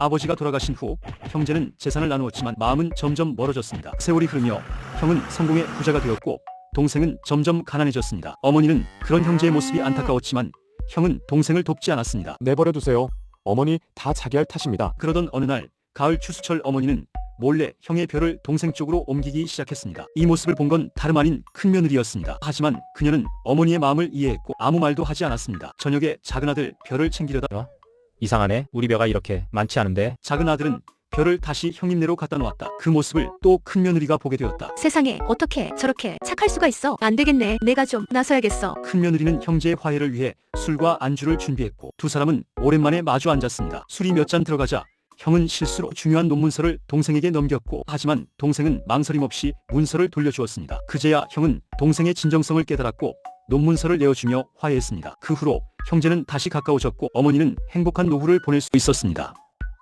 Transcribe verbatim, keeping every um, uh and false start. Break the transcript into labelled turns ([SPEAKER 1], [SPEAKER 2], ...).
[SPEAKER 1] 아버지가 돌아가신 후 형제는 재산을 나누었지만 마음은 점점 멀어졌습니다. 세월이 흐르며 형은 성공의 부자가 되었고 동생은 점점 가난해졌습니다. 어머니는 그런 형제의 모습이 안타까웠지만 형은 동생을 돕지 않았습니다.
[SPEAKER 2] 내버려두세요. 어머니 다 자기 할 탓입니다.
[SPEAKER 1] 그러던 어느 날 가을 추수철 어머니는 몰래 형의 벼를 동생 쪽으로 옮기기 시작했습니다. 이 모습을 본 건 다름 아닌 큰며느리였습니다. 하지만 그녀는 어머니의 마음을 이해했고 아무 말도 하지 않았습니다. 저녁에 작은 아들 벼를 챙기려다
[SPEAKER 3] 이상하네. 우리 벼가 이렇게 많지 않은데.
[SPEAKER 1] 작은 아들은 벼를 다시 형님네로 갖다 놓았다. 그 모습을 또 큰며느리가 보게 되었다.
[SPEAKER 4] 세상에 어떻게 저렇게 착할 수가 있어. 안 되겠네. 내가 좀 나서야겠어.
[SPEAKER 1] 큰며느리는 형제의 화해를 위해 술과 안주를 준비했고 두 사람은 오랜만에 마주 앉았습니다. 술이 몇 잔 들어가자 형은 실수로 중요한 논문서를 동생에게 넘겼고 하지만 동생은 망설임 없이 문서를 돌려주었습니다. 그제야 형은 동생의 진정성을 깨달았고 논문서를 내어주며 화해했습니다. 그 후로 형제는 다시 가까워졌고 어머니는 행복한 노후를 보낼 수 있었습니다.